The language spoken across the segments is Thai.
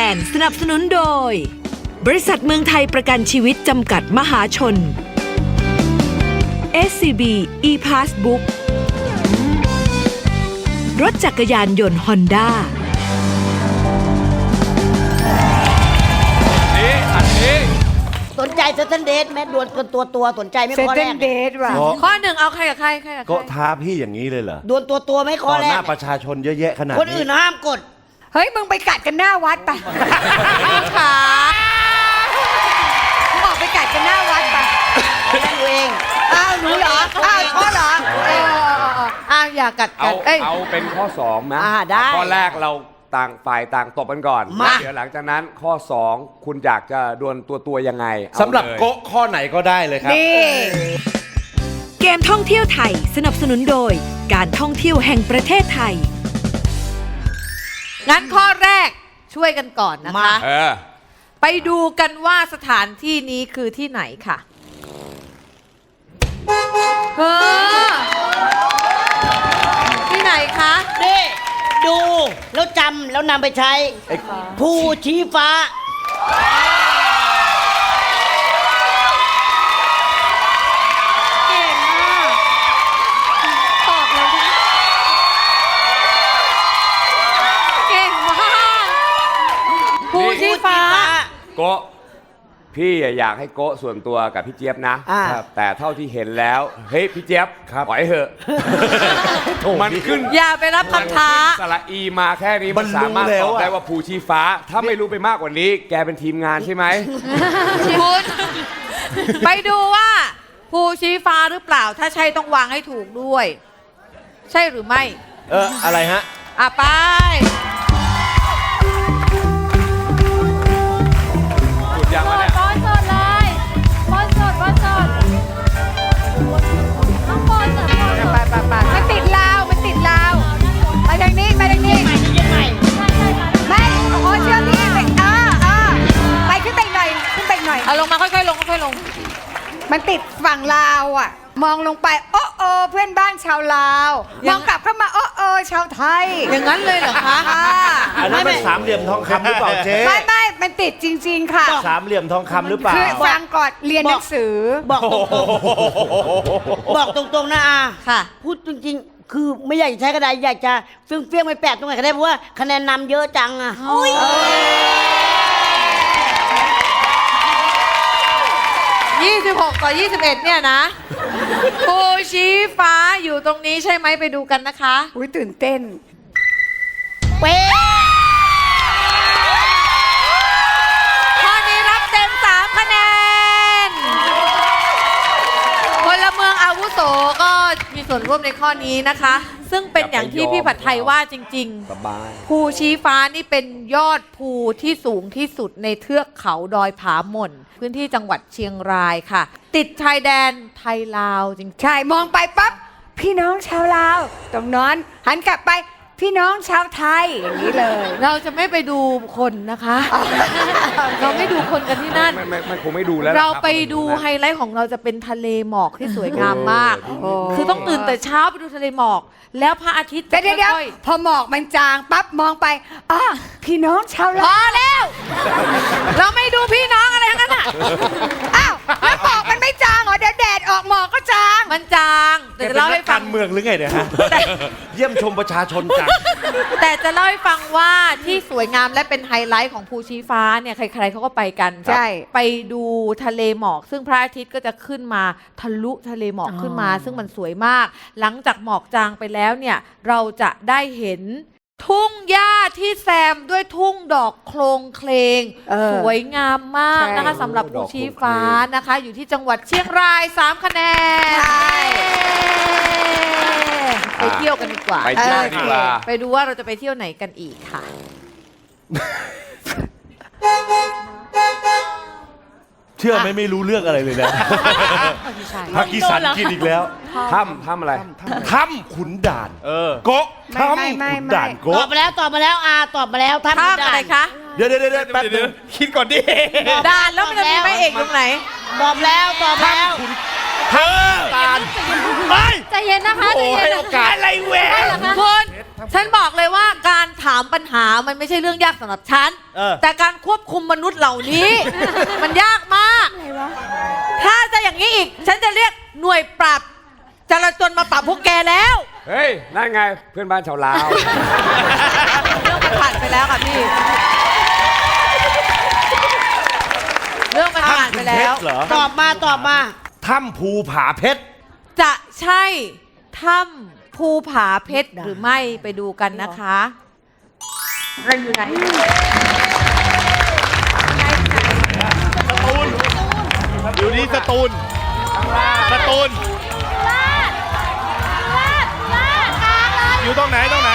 นด์สนับสนุนโดยบริษัทเมืองไทยประกันชีวิตจำกัดมหาชน SCB ePassbook รถจักรยานยนต์ Honda อันนี้สนใจเซตันเดทแม่ดวลกันตัวสนใจไม่เซข้อเตแรนกเดทว่ะข้อหนึ่งเอาใครกับใครกับก็ใครท้าพี่อย่างนี้เลยเหรอดวลตัวไม่ข้ต่ออแรหกน้าประชาชนเยอะแยะขนาดคนอื่นห้ามกดเฮ้ย มึงไปกัดกันหน้าวัดไปขามึงออกไปกัดกันหน้าวัดไปนั่นเองอ้าวหนูเหรอ อ้าวพ่อเหรออ้าวอย่ากัดกันเอ้ยเอาเป็นข้อ2นะได้ข้อแรกเราต่างฝ่ายต่างตบกันก่อนมาเดี๋ยวหลังจากนั้นข้อ 2 คุณอยากจะดวลตัวยังไงเอาสำหรับเลยโกะข้อไหนก็ได้เลยครับนี่เกมท่องเที่ยวไทยสนับสนุนโดยการท่องเที่ยวแห่งประเทศไทยงั้นข้อแรกช่วยกันก่อนนะคะเออไปดูกันว่าสถานที่นี้คือที่ไหนค่ะเออที่ไหนคะนี่ดูแล้วจำแล้วนำไปใช้ภูชี้ฟ้าเก่งมากตอบเลยนะเก่งมากภูชีฟ้าโกะพี่อยากให้โกะส่วนตัวกับพี่เจี๊ยบนะอ่าแต่เท่าที่เห็นแล้วเฮ้ยพี่เจี๊ยบปล่อยเถอะมันขึ้นอย่าไปรับคำท้าสระอีมาแค่นี้มันสามารถตอบได้ว่าภูชีฟ้า ถ้าไม่รู้ไปมากกว่านี้ แกเป็นทีมงานใช่ไหมคุณไปดูว่าภูชี้ฟ้าหรือเปล่า ถ้าใช่ต้องวางให้ถูกด้วย ใช่หรือไม่อะไรฮะอ่ะไปจุดยังวะเนี่ยบอลสดเลยบอลสดข้างบนสดไปมันติดลาว มันติดลาว ไปทางนี้ ไปทางนี้ ไม่โอ้เชื่อพี่ไปไปขึ้นไปอีกหน่อย ขึ้นไปอีกหน่อยเอาลงมาค่อยๆลงค่อยๆลงมันติดฝั่งลาวอ่ะ มองลงไป โอ้โอเพื่อนบ้านชาวลาว มองกลับเข้ามา โอ้โอชาวไทยอย่างนั้นเลยเหรอคะอันนั้นเป็นสามเหลี่ยมทองคำหรือเปล่าเจ๊ไม่มันติดจริง ๆ ค่ะสามเหลี่ยมทองคำหรือเปล่าคือฟังก่อนเรียนหนังสือบอกตรงๆนะอาค่ะพูดจริงๆ คือไม่อยากจะใช้กระดาษอยากจะเฟี้ยงๆไปแปะตรงไหนก็ได้เพราะว่าคะแนนนำเยอะจังอะ 26 ต่อ 21 เนี่ยนะภูชี้ฟ้าอยู่ตรงนี้ใช่ไหมไปดูกันนะคะอุ้ยตื่นเต้นเป๊ะข้อนี้รับเต็ม 3 คะแนน พลเมืองอาวุโสก็มีส่วนร่วมในข้อนี้นะคะ ซึ่งเป็นอย่างที่พี่ผัดไทยว่าจริงสบายๆ ภูชี้ฟ้านี่เป็นยอดภูที่สูงที่สุดในเทือกเขาดอยผาหม่น พื้นที่จังหวัดเชียงรายค่ะ ติดชายแดนไทยลาวจริงใช่ มองไปปั๊บ พี่น้องชาวลาว ตรงนั้นหันกลับไป พี่น้องชาวไทย อย่างนี้เลยเราจะไม่ไปดูคนนะคะ เราไม่ดูคนกันที่นั่นไม่คงไม่ดูแล้วเรานะคบไปดูไฮไลท์ของเราจะเป็นทะเลหมอกที่สวยงามมาก คือต้องตื่นแต่เช้าไปดูทะเลหมอก แล้วพระอาทิตย์เดี๋ยวค่อยพอหมอกมันจางปั๊บมองไปพี่น้องชาวๆพลาอวแล้ว เราไม่ดูพี่น้องอะไรทั้งนั้นอ่ะอ้าวแล้วหมอกมันไม่จางเหรอเดี๋ยวแดดออกหมอกก็จางมันจางแต่จะเล่าให้ฟักาง รเมืองหรือไงเนี่ยฮะ เยี่ยมชมประชาชนจังแต่จะเล่าให้ฟังว่าที่สวยงามและเป็นไฮไลท์ของภูชีฟ้าเนี่ยใครๆเขาก็ไปกันใช่ไปดูทะเลหมอก ซึ่งพระอาทิตย์ก็จะขึ้นมาทะลุทะเลหมอกขึ้นมา ซึ่งมันสวยมาก หลังจากหมอกจางไปแล้วเนี่ยเราจะได้เห็นทุ่งหญ้าที่แซมด้วยทุ่งดอกโคลงเคลงสวยงามมากนะคะสำหรับภูชีฟ้านะคะ อยู่ที่จังหวัดเชียงราย 3 คะแนนไปเที่ยวกันดีกว่าไปเที่ยวดีกว่าไปดูว่าเราจะไปเที่ยวไหนกันอีกค่ะเชื่อไหมไม่รู้เรื่องอะไรเลยนะภากีสันกินอีกแล้วถ้ำอะไรถ้ำขุนด่านโกะถ้ำขุนด่านตอโกะบมาแล้วตอบมาแล้วตอบมาแล้วท่านท่าอะไรคะเดี๋ยวแป๊บนึงคิดก่อนดิด่านแล้วมันจะมีพระเอกตรงไหนตอบแล้วตอบแล้วถ้ำด่านไปใจเย็นนะคะโอ้ใจให้เย็นโอกาสอะไรแหวได้เหรอคะคุณฉันบอกเลยว่าการถามปัญหามันไม่ใช่เรื่องยากสำหรับฉัน แต่การควบคุมมนุษย์เหล่านี้ มันยากมาก ถ้าจะอย่างนี้อีก ฉันจะเรียกหน่วยปราบจราจรมาปราบพวกแกแล้วเฮ้ย นั่นไงเพื่อนบ้านชาวลาวเรื่องมันผ่านไปแล้วค่ะพี่ เรื่องมันผ่านไปแล้วเหรอตอบมาตอบมาถ้ำภูผาเพชรจะใช่ถ้ำภูผาเพชรหรือไม่ไปดูกันนะคะเราอยู่ไหนอยู่ที่สตูลสตูลอยู่ตรงไหนตรงไหน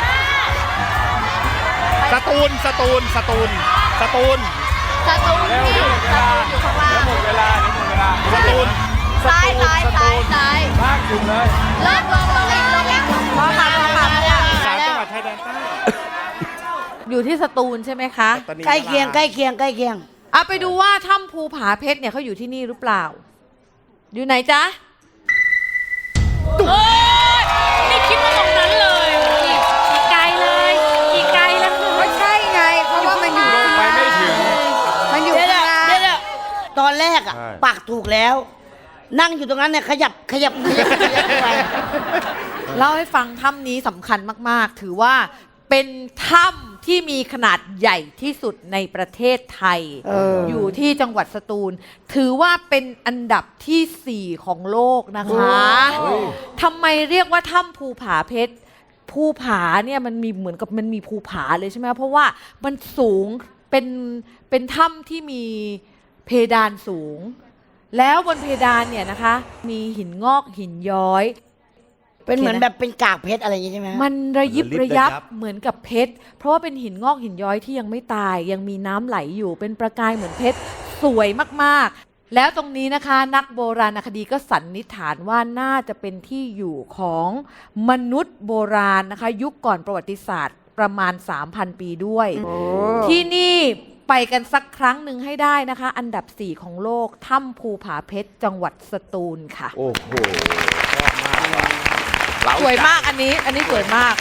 สตูลสตูลสตูลสตูลสตูนนี่สตูนอยู่ข้างล่างหมดเวลาหมดเวลาสตูลซ้ายซ้ายซ้ายซ้ายลากถึงเลยลงอีกพอค่ะสามจังหวัดชายแดนใต้อยู่ที่สตูลใช่ไหมคะใกล้เคียงใกล้เคียงใกล้เคียงเอาไปดูว่าถ้ำภูผาเพชรเนี่ยเขาอยู่ที่นี่หรือเปล่า อยู่ไหนจ๊ะไม่คิดว่าตรงนั้นเลยอีกไกลเลยอีกไกลแล้วคือไม่ใช่ไง เพราะว่ามันอยู่ลงไปไม่ถึงมันอยู่เดี๋ยวข้างล่างเดี๋ยวตอนแรกอ่ะปักถูกแล้ว นั่งอยู่ตรงนั้นเนี่ยขยับไปเล่าให้ฟังถ้ำนี้สำคัญมาก ๆ ถือว่าเป็นถ้ำที่มีขนาดใหญ่ที่สุดในประเทศไทย อยู่ที่จังหวัดสตูล ถือว่าเป็นอันดับที่ 4 ของโลกนะคะทำไมเรียกว่าถ้ำภูผาเพชร ภูผาเนี่ยมันมีเหมือนกับมันมีภูผาเลยใช่ไหมเพราะว่ามันสูงเป็นถ้ำที่มีเพดานสูง แล้วบนเพดานเนี่ยนะคะ มีหินงอกหินย้อยเป็นเหมือนแบบเป็นกากเพชรอะไรอย่างงี้ใช่ไหมมันระยิบระยับเหมือนกับเพชร เพราะว่าเป็นหินงอกหินย้อยที่ยังไม่ตาย ยังมีน้ำไหลอยู่เป็นประกายเหมือนเพชรสวยมากๆ แล้วตรงนี้นะคะ นักโบราณคดีก็สันนิษฐานว่าน่าจะเป็นที่อยู่ของมนุษย์โบราณนะคะ ยุคก่อนประวัติศาสตร์ประมาณ 3,000 ปีด้วย ที่นี่ไปกันสักครั้งหนึ่งให้ได้นะคะ อันดับ 4 ของโลกถ้ำภูผาเพชรจังหวัดสตูลค่ะโอ้โหสวยมากอันนี้สวยมาก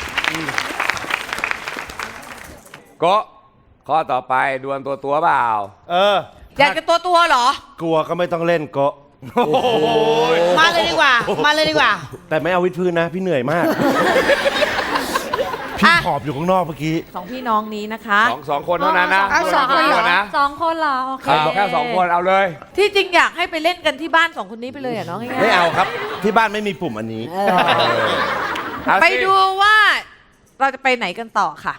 ก็ข้อต่อไปดวลตัวเปล่าอยากจะตัวเหรอกลัวก็ไม่ต้องเล่นโกะมาเลยดีกว่า มาเลยดีกว่าแต่ไม่เอาวิดพื้นนะ พี่เหนื่อยมาก พี่ขอบอยู่ข้างนอกเมื่อกี้สองพี่น้องนี้นะคะสองคนเท่านั้นนะเอาสองคนเหรอนะ 2 คนเหรอโอเคแค่2 คนเอาเลยที่จริงอยากให้ไปเล่นกันที่บ้าน2 คนนี้ไปเลยอ่ะน้องง่ายๆไม่เอาครับ ที่บ้านไม่มีปุ่มอันนี้เอาสิไปดูว่าเราจะไปไหนกันต่อค่ะ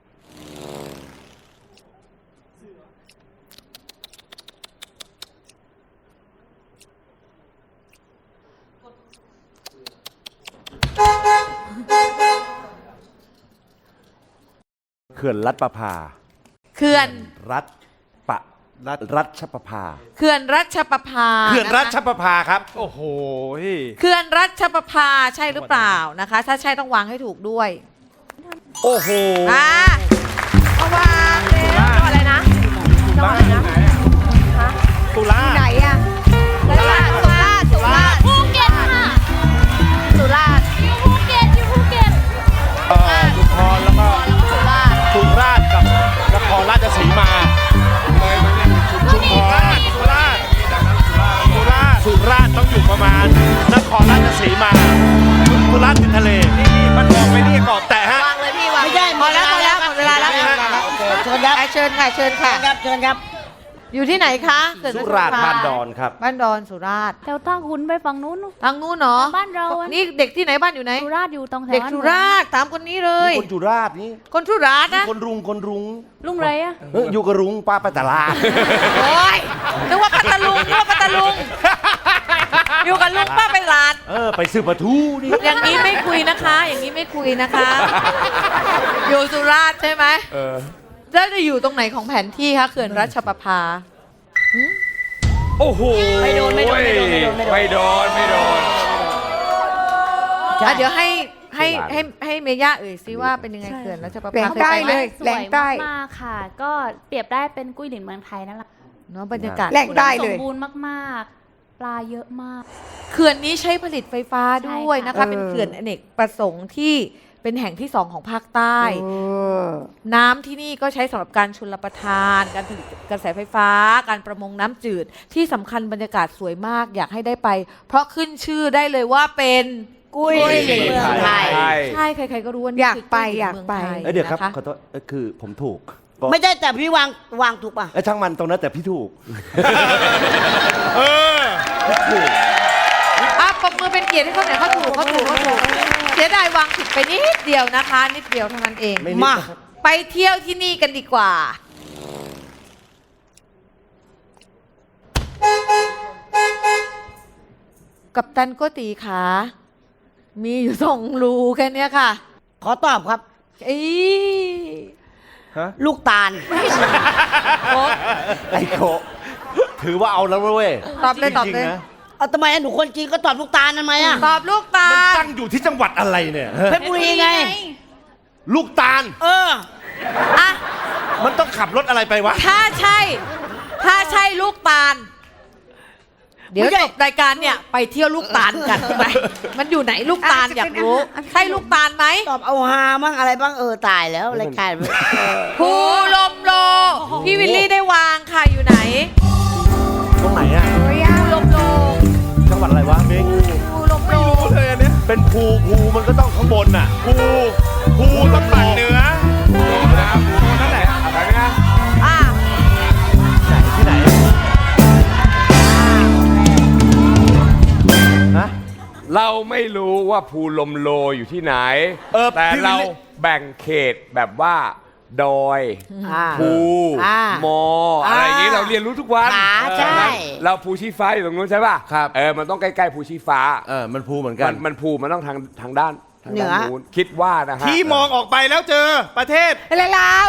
เขื่อนรัฐประภาเขื่อนรัชประภาเขื่อนรัชประภาเขื่อนรัชนะคะประภาครับ โอ้โหเขื่อนรัชประภาใช่หรือเปล่านะคะ ถ้าใช่ต้องวางให้ถูกด้วยโอ้โหเอาวางเลยจังหวัดอะไรนะจังหวัดอะไรนะตุลาไหนอะสุราษฎร์ภูเก็ตค่ะสุราษฎร์อยู่ภูเก็ตอยู่ภูเก็ตชุมพรแล้วก็สุราษฎร์กับนครราชสีมา ชุมพรสุราษฎร์ต้องอยู่ประมาณนครราชสีมาสุราษฎร์ติดทะเลมันบอกไม่ได้เกาะแต่ฮะวางเลยพี่วางไม่ใช่พอแล้วหมดเวลาแล้วเชิญครับเชิญค่ะเชิญค่ะเชิญครับอยู่ที่ไหนคะเขื่อนสุชราษฎร์ประภบ้านดอนครับบ้านดอนสุราษฎร์แถวท่าขุนไปฝั่งนู้นทางนู้นเนาะบ้านเราอะนี่เด็กที่ไหนบ้านอยู่ไหนสุราษฎร์อยู่ตรงแถวเด็กสุราษฎร์ถามคนนี้เลยคนสุราษฎร์นี่คนสุราษฎร์นะคนรุงลุงไรอะอยู่กับรุงป้าไปตลาดโอ้ยนึกว่าพัทลุงอยู่กับลุงป้าไปหลาดไปซื้อปลาทูนี่อย่างนี้ไม่คุยนะคะ อย่างนี้ไม่คุยนะคะ อยู่สุราษฎร์ใช่ไหมแล้วจะอยู่ตรงไหนของแผนที่คะเขื่อนรัชประภาโอ้โหไม่โดนอ่ะเดี๋ยวให้เมย่าเอ่ยซิว่าเป็นยังไงเขื่อนรัชประแหล่ภางใต้คไปไหมเลยสแหล่วงยใต้มากๆค่ะ ก็เปรียบได้เป็นกุ้ยหลินเมืองไทยนั่นแหละเนาะบรรยากาศแหล่งใต้สเลยมบูรณ์มากๆ ปลาเยอะมากเขื่อนนี้ใช้ผลิตไฟฟ้าด้วยนะคะใช่ค่ะเป็นเขื่อนอเนกประสงค์ที่เป็นแห่งที่ 2 ของภาคใต้ น้ำที่นี่ก็ใช้สำหรับการชลประทาน การผลิตกระแสไฟฟ้า การประมงน้ำจืด ที่สำคัญบรรยากาศสวยมากอยากให้ได้ไป เพราะขึ้นชื่อได้เลยว่าเป็นกุ้ยหลินเมืองไทยใช่ใครๆก็รู้ว่านี่อยากคือไปกุ้หลินอยากเมืงไปทเดี๋ยวครับนะะขอโทษคือผมถูกก็ไม่ใช่แต่พี่วางถูกป่ะช่างมันตรงนั้นแต่พี่ถูกปรบมือเป็นเกียรติให้เขาหน่อยเขาถูกเสียดายวางผิดไปนิดเดียวนะคะ นิดเดียวเท่านั้นเองไม่นิดมานะครับไปเที่ยวที่นี่กันดีกว่า กัปตันโกตีขามีอยู่2 รูแค่เนี้ยค่ะขอตอบครับอีลูกตาลไอ้โกะถือว่าเอาแล้วเว้ยตอบเลยจตอบริงเลยๆนะเอาทำไมหนูคนจีนก็ตอบลูกตาลทำไมอ่ะตอบลูกตามันลตั้งอยู่ที่จังหวัดอะไรเนี่ยเพชรบุรีไงลูกตาลเอออ่ะมันต้องขับรถอะไรไปวะถ้าใช่ลูกตาล เดี๋ยวไม่ใช่จบรายการเนี่ยไปเที่ยวลูกตาลกันไป มันอยู่ไหนลูกตาลอยากรู้ ใช่ลูกตาลไหมตอบเอาฮามั่งอะไรบ้างตายแล้วรายการภูลมโล พี่วิลลี่ได้วางค่ะอยู่ไหนตรงไหนอะภูลมโลจังหวัดอะไรวะเม้งภูลมโลเป็นภูมันก็ต้องข้างบนน่ะภูต้องฝั่งเหนือนั่นแหละอะไรนะอ่ะไหนที่ไหนฮะเราไม่รู้ว่าภูลมโลอยู่ที่ไหน แต่พี่วิลลี่เราแบ่งเขตแบบว่า ดอย ภู มอ อะไรอย่างนี้เราเรียนรู้ทุกวันขาใช่เราภูชีฟ้าอยู่ตรงนู้นใช่ป่ะครับมันต้องใกล้ๆภูชีฟ้ามันภูเหมือนกันมันภูมันต้องทางด้านเหนือนู้นคิดว่านะฮะที่มองออกไปแล้วเจอประเทศลาว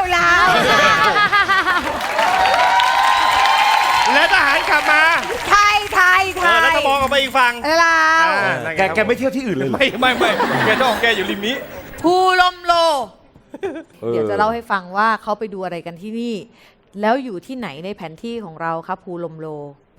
และทหารกลับมาไทยแล้วก็มองออกไปอีกฝั่งลาวแกไม่เที่ยวที่อื่นเลยเหรอไม่แกต้องแกอยู่ริมนี้ภูลมโล เดี๋ยวจะเล่าให้ฟังว่าเขาไปดูอะไรกันที่นี่ แล้วอยู่ที่ไหนในแผนที่ของเราครับภูลมโล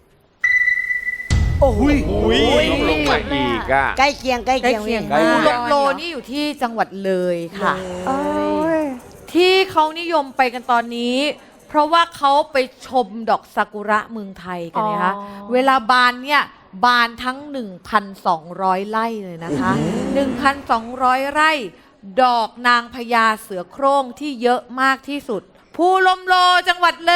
โอ้โหลงมาอีกอ่ะใกล้เคียงใกล้เคียงใกล้ภูเคีลยงมโลนี่อยู่ที่จังหวัดเลยค่ะ ที่เขานิยมไปกันตอนนี้ เพราะว่าเขาไปชมดอกซากุระเมืองไทยกันนะคะ เวลาบานเนี่ยบานทั้ง 1,200 ไร่เลยนะคะ 1,200 ไร่ ดอกนางพญาเสือโคร่งที่เยอะมากที่สุด ภูลมโลจังหวัดเลย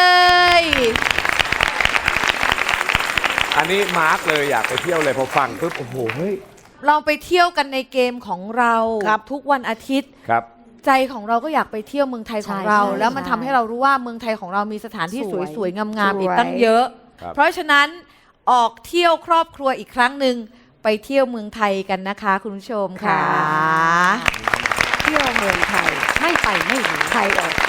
อันนี้มาร์กเลยอยากไปเที่ยวเลยพอฟังปุ๊บโอ้โหเฮ้ยเราไปเที่ยวกันในเกมของเราครับทุกวันอาทิตย์ครับใจของเราก็อยากไปเที่ยวเมืองไทยของเรา แล้วมันทำให้เรารู้ว่าเมืองไทยของเรามีสถานที่สวยๆงามๆอีกตั้งเยอะครับเพราะฉะนั้นออกเที่ยวครอบครัวอีกครั้งหนึ่งไปเที่ยวเมืองไทยกันนะคะ คุณผู้ชมค่ะเที่ยวเมืองไทย ไม่ไปไม่รู้ไทยออกไป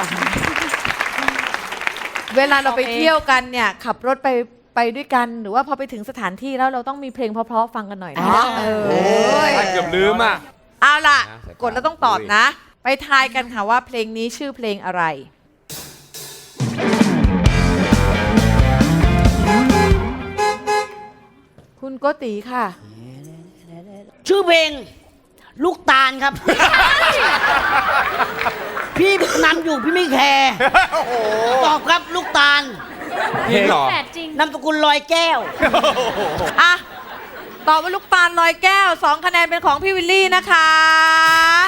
เวลาเราไปเที่ยวกันเนี่ยขับรถไปด้วยกัน หรือว่าพอไปถึงสถานที่แล้วเราต้องมีเพลงเพราะๆฟังกันหน่อยนะเออเกือบลืมอ่ะเอาล่ะ กดแล้วต้องตอบนะ ไปทายกันค่ะว่าเพลงนี้ชื่อเพลงอะไร คุณโกติค่ะชื่อเพลงลูกตาลครับ พี่นำอยู่พี่ไม่แคร์ตอบครับลูกตาลจริงเหรอแปดจริงนามสกุลลอยแก้วอ่ะ ตอบว่าลูกตาลลอยแก้ว 2 คะแนนเป็นของพี่วิลลี่นะคะ